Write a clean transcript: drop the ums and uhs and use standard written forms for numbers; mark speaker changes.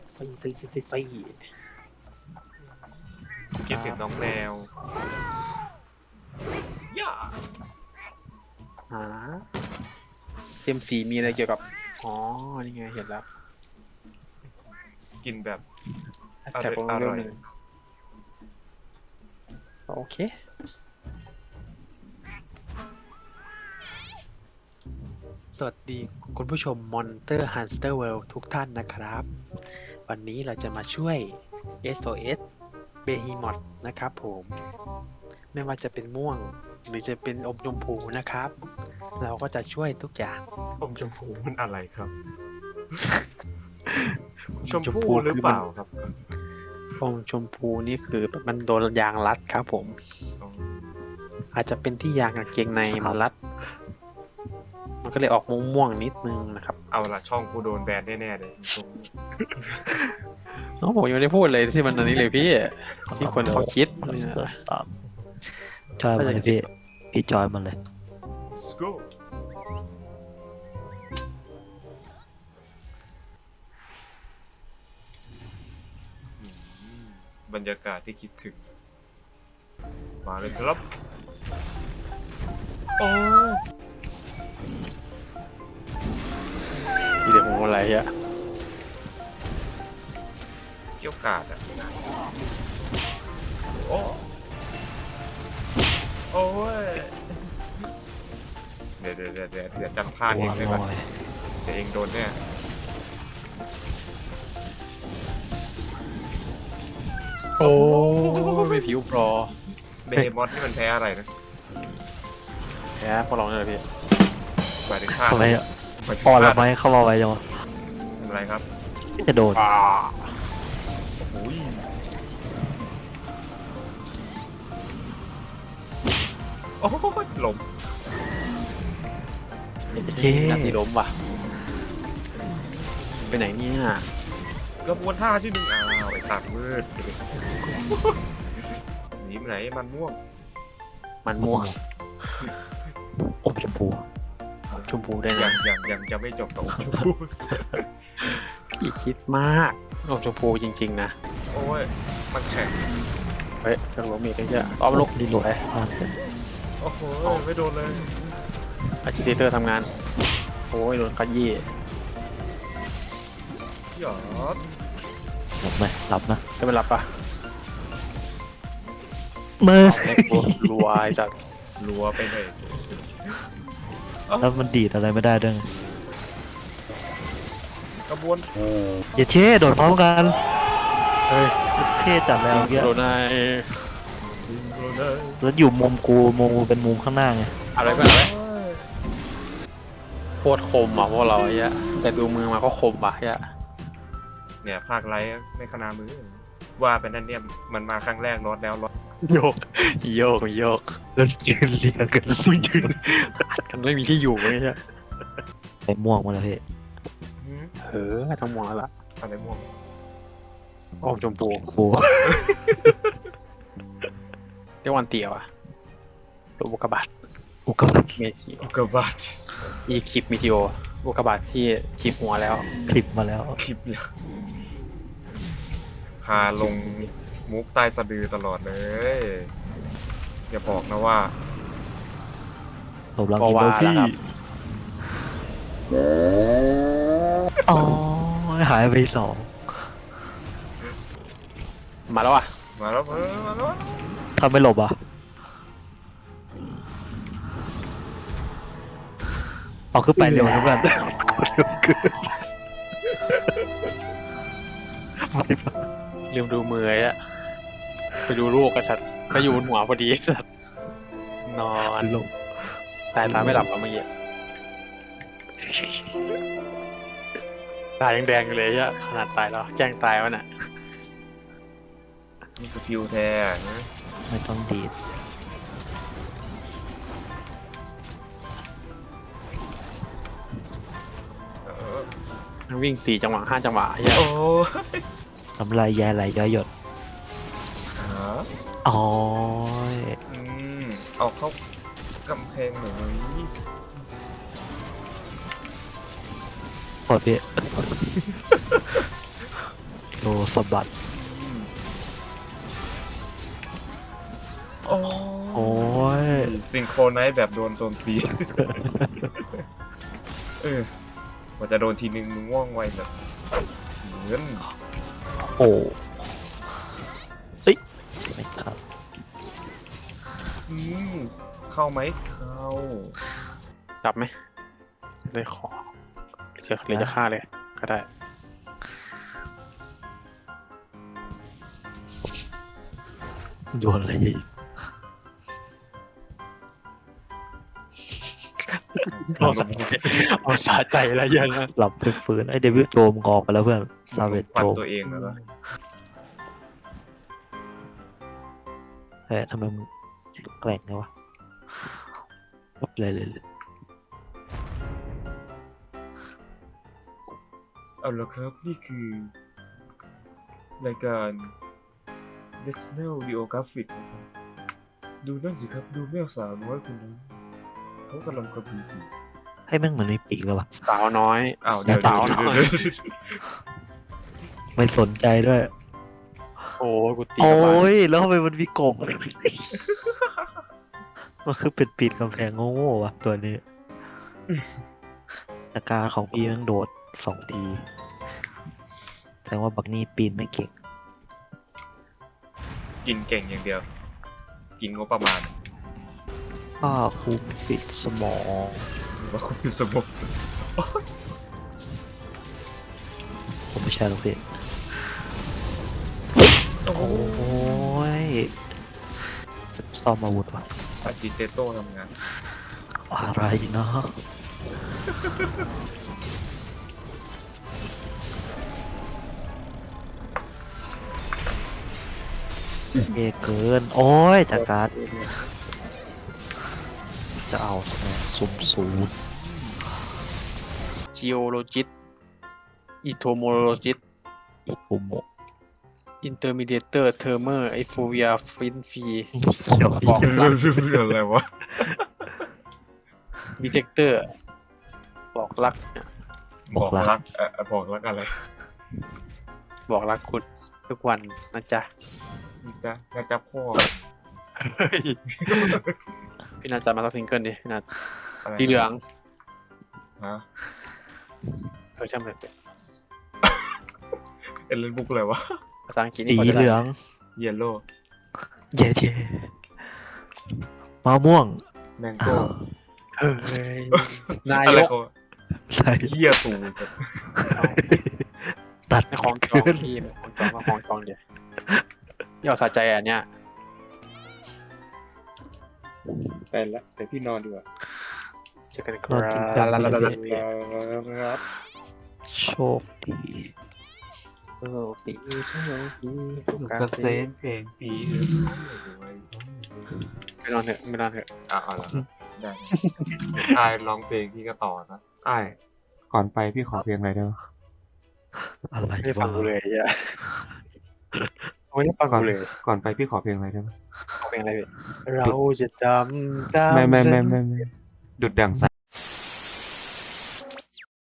Speaker 1: ซี่
Speaker 2: คิดถึงน้องแมวย่า
Speaker 1: หาเต็มสีมีอะไรเกี่ยวกับอ๋อนี่ไงเห็นแล้ว
Speaker 2: กินแบบ
Speaker 1: แท็กลง
Speaker 2: อ
Speaker 1: เรื่
Speaker 2: ร่
Speaker 1: อ
Speaker 2: อง ย
Speaker 1: หนึ่งโอเคสวัสดีคุณผู้ชม Monster Hunter World ทุกท่านนะครับ วันนี้เราจะมาช่วย SOS Behemoth นะครับผมไม่ว่าจะเป็นม่วงหรือจะเป็นอมชมพูนะครับ เราก็จะช่วยทุกอย่าง
Speaker 2: อมชมพูมันอะไรครับ ชม
Speaker 1: ชม
Speaker 2: พู
Speaker 1: พู
Speaker 2: หรือ
Speaker 1: คือ
Speaker 2: เป
Speaker 1: มัน
Speaker 2: ล่าครับ
Speaker 1: อมชมพูนี่คือมันโดนยางรัดครับผม
Speaker 2: อ๋อ
Speaker 1: อาจจะเป็นที่ยางกางเกงใน
Speaker 3: ครับ
Speaker 1: มันรัด มันก็เลยออกม่วงๆนิดนึงนะครับ
Speaker 2: เอาละช่องกูโดนแบนแน่ๆเลย
Speaker 1: น้องผมยังไม่ได้พูดเลยที่มันอันนี้เลยพี่ ที่คนเขาคิด
Speaker 3: มา
Speaker 1: เนี่
Speaker 3: ส
Speaker 1: ย
Speaker 3: เตอร์ซับจอยมาเลยพี่จอยมาเลย
Speaker 2: Let's go บรรยากาศที่คิดถึง มาเลยครับ โอ้ย
Speaker 1: เดี๋ยวผมอะไรอะ
Speaker 2: เกี่ยวกาดอ่ะ โอ้โอ้ย เดี๋ยวจำท่า
Speaker 3: หั
Speaker 2: เอ
Speaker 3: ว
Speaker 2: งได้
Speaker 3: ล
Speaker 2: ปะ
Speaker 3: อย
Speaker 2: เดี๋ยวเองโดนแน่
Speaker 1: โอ้ไม่ผิวปลอ
Speaker 2: เบย์มอสนี่มันแพ้อะไรนะ
Speaker 1: แพ้พอลองเลยพี่
Speaker 2: หมายถึงท่า
Speaker 3: ทำไม
Speaker 2: หมายถึง
Speaker 3: พอ
Speaker 2: ท่า
Speaker 3: แล้วไหมเข้ามาไว้จังวะ
Speaker 2: อะไรครับ
Speaker 3: จะโดน
Speaker 2: โอ้ยโอ้ยหลม
Speaker 3: เย้
Speaker 1: นาทีล้มว่ะไปไหนเนี่ย
Speaker 2: กระบวนท่าที่หนึ่งอ้าวไอ้สัตว์มืดหนีไปไหนมันม่วง
Speaker 1: มันม่วง
Speaker 3: อมชมพู
Speaker 1: ชมพูได้
Speaker 2: ยั
Speaker 1: นะ
Speaker 2: งจะไม่จบกับอมชมพู
Speaker 1: พี่คิดมากอมชมพูจริงๆนะ
Speaker 2: โอ้ยมันแข็ง
Speaker 1: เฮ้ยจะล้มอีกแล้วเยอะเอาลูก
Speaker 3: รีโหลด
Speaker 1: ไป
Speaker 3: อ่านกัน
Speaker 2: โอ้โหไม่โดนเลย
Speaker 1: อาจิเตอร์ทำงาน โอ้ยโดนขยี้
Speaker 2: หยอด
Speaker 3: หลับไหมหลับนะ
Speaker 1: จะไม่รับปะ
Speaker 3: มือ
Speaker 1: รัวไอ้สัตว์
Speaker 2: รัวไปเลย
Speaker 3: แล้วมันดีดอะไรไม่ได้ด้วยไง
Speaker 2: กระบวน
Speaker 3: อย่าเช่โดดพร้อมกัน
Speaker 1: เฮ้ย
Speaker 3: เท่จัดแล้วเมื่อกี้
Speaker 1: โดนไอ้
Speaker 3: แล้วอยู่มุมกูเป็นมุมข้างหน้าไง
Speaker 1: อะไรก็อะไรโคตรคมอ่ะพวกเราไอ้เหี้ยแต่ดูมือมาก็คมว่ะไอ้เหี้ย
Speaker 2: เนี่ยภาคไลท์ในคณะมือ ว่าเป็นนั่นเนี่ยมันมาครั้งแรกรอดแล้วรอด
Speaker 1: โยกโยกโยก
Speaker 3: แล้วยืนเรียงกัน
Speaker 1: มึงยืนอัดกันไม่มีที่อยู่ไอ้เหี้ย
Speaker 3: ไปม่วงมาแล้วพี่
Speaker 2: หืม
Speaker 1: เออต้องมองแล้วล่ะ
Speaker 2: อะไรม่วง
Speaker 1: ออกชมพู
Speaker 3: โอ้โห
Speaker 1: เรียกวันเตียวอ่ะรูปอุกกาบาต
Speaker 3: อุกกาบาต
Speaker 1: เมจิโอ
Speaker 2: อุกกาบาต
Speaker 1: อีคลิปมิจิโออุกกาบาตที่ชิปหัวแล้ว
Speaker 3: คลิปมาแล้ว
Speaker 2: คลิปเนี่ยพาลงมุกใต้สะดือตลอดเลย อย่าบอกนะว่า
Speaker 3: ผมรัง
Speaker 1: ก็
Speaker 3: อิน
Speaker 1: ว่า
Speaker 3: โดพี่
Speaker 1: แล้วครับ
Speaker 3: อ๋อหายไปสอง
Speaker 1: มาแล้วอ่ะ
Speaker 2: มาแล้วมาแล้ว
Speaker 3: ทำไม่หลบอ่ะเอาขึ้นไปเร็วนะเพื่อน
Speaker 1: ลืมดูมือไอ้อะไปดูลูกกันสัตว์ก็อยู่บนหัวพอดีสัตว์นอน
Speaker 3: หลบ
Speaker 1: ตายตาไม่หลับอ่ะเมื่อกี้ตายังแดงอยู่เลยอะขนาดตายแล้วแกล้งตายวะน่ะ
Speaker 2: นี่คือพิวแท้นะ
Speaker 3: ไม่ต้องดีด
Speaker 2: เออ
Speaker 1: มันวิ่ง4 จังหวะ5 จังหวะไอ้เหี้ย
Speaker 2: โอ้
Speaker 3: น้ำลายแย่ไหลย้อยหยด
Speaker 2: หา
Speaker 3: อ๋อ
Speaker 2: อืมเอาเข้ากำแพงหน่อย
Speaker 3: ปวดพี่โลสะบัด
Speaker 2: โอ้
Speaker 3: โอ้ย
Speaker 2: ซิงโครไนซ์แบบโดนตี กว่าจะโดนทีนึงมึงว่องไวแบบเหมือน
Speaker 3: โอ้เฮ้ยไม่ครับ
Speaker 2: อืมเข้าไหมเข้า
Speaker 1: จับไหมเลยขอหรือจะฆ่าเลยก็ได้
Speaker 3: โดนอะไรอีก
Speaker 1: เอาสะใจเอาสะใจแล้วยังอะ
Speaker 3: หลับไปฟื้นไอเดวิดโจมงออกไปแล้วเพื่อนซาเวต
Speaker 2: ฟัน
Speaker 3: โจม
Speaker 2: ตัวเองแล้ว
Speaker 3: เฮ้ยทำไมมึงแกร่งไงวะเลย
Speaker 2: เอาละครับนี่คือ รายการ National Geographic นะครับดูนั่นสิครับดูแมวสาวน้อยคนนั้นเขากำลังกระพือปีก
Speaker 3: ให้แม่งเหมือนไม่ปีกแล้ววะ
Speaker 1: สาวน้อย
Speaker 2: อ้าวเดี๋ยว
Speaker 1: สาวน้อย
Speaker 3: ไม่สนใจด้วย
Speaker 1: โอ้กูตี
Speaker 3: โอ้
Speaker 1: กลับบ้าน
Speaker 3: ยแล้วทำไมมันมีกบ มันคือเป็นปีนกำแพงโง่ๆวะตัวนี้แต่การของพี่แม่งโดด2 ทีแสดงว่าบักนี่ปีนไม่เก่ง
Speaker 2: กินเก่งอย่างเดียว กินงบประมาณ
Speaker 3: ก็คูปิดสมอง
Speaker 2: หรือว่าคุณเป็นสมอง
Speaker 3: ผมไม่ใช่หรอกพี่
Speaker 2: โอ้โห
Speaker 3: โอ้ยซ่อมอาวุธวะ
Speaker 2: อาจิเตโต้ทำงาน
Speaker 3: อะไรเนาะเอเกิน โอ้ยจากการจะเอาใช่ไหมสุ่มศูนย์
Speaker 1: จีโอโลจิสอิโทโมโลจิส
Speaker 3: อีกุโมะ
Speaker 1: อินเตอร์มีเดียเตอร์เทอร์เมอร์ไอฟูเวียฟินฟี
Speaker 3: เดี๋ยว
Speaker 1: บอกรัก
Speaker 2: อะไรวะ
Speaker 1: ดีเทคเตอร์บอกรัก
Speaker 2: บอกรักบอกรักอะไร
Speaker 1: บอกรักคุณทุกวันนะจ๊ะ
Speaker 2: น่าจะพ่อ
Speaker 1: พี่นาจะมาสักซิงเกิลดิพี่นา
Speaker 2: อะไร
Speaker 1: สีเหลือง
Speaker 2: ฮะ
Speaker 1: ช่างมันเถอะ
Speaker 2: เอเลนบุ๊กอะไรวะ
Speaker 1: ภาษาอังกฤษ
Speaker 3: สี
Speaker 1: นี่พอจะได้
Speaker 3: เหลือง
Speaker 2: เยลโล่
Speaker 3: เย่เย่มะม่วง
Speaker 2: แมงโก้
Speaker 1: เฮ้ยนาย
Speaker 2: อะไร
Speaker 1: ก
Speaker 2: เขา
Speaker 3: ใช่
Speaker 2: เหี้ยตูแบบ
Speaker 3: ตัด
Speaker 1: ในของจองพี่ของจองมาของจองเดี๋ยวพี่เอาสะใจอันเนี้ย
Speaker 2: ไปละเดี๋ยวพี่นอนดีกว่า
Speaker 1: เจอกันค
Speaker 3: นอนจริงจัง
Speaker 1: รับ
Speaker 2: ครับ
Speaker 3: โชคดี
Speaker 1: โอ้ปีโชคดี
Speaker 2: กระเซ็นเพลงปีเอ้ย
Speaker 1: ไม่นอนเถอะไม่นอนเถอะ
Speaker 2: เอาละได้อายร้องเพลงพี่ก็ต่อซะอ้ายก่อนไปพี่ขอเพลงอะไรได้ไหม
Speaker 3: อะไร
Speaker 1: ไม่ได้ฟั
Speaker 3: วะ
Speaker 1: งกูเลยอ่ะไม่ได้ฟัง
Speaker 2: ก่อน
Speaker 1: กูเลย
Speaker 2: ก่อนไปพี่ขอเพลงอะไรได้ไหม
Speaker 1: เอาเพลงอะไรพี่เราจะจำตาม
Speaker 2: ไม่ดุดดั่งสาย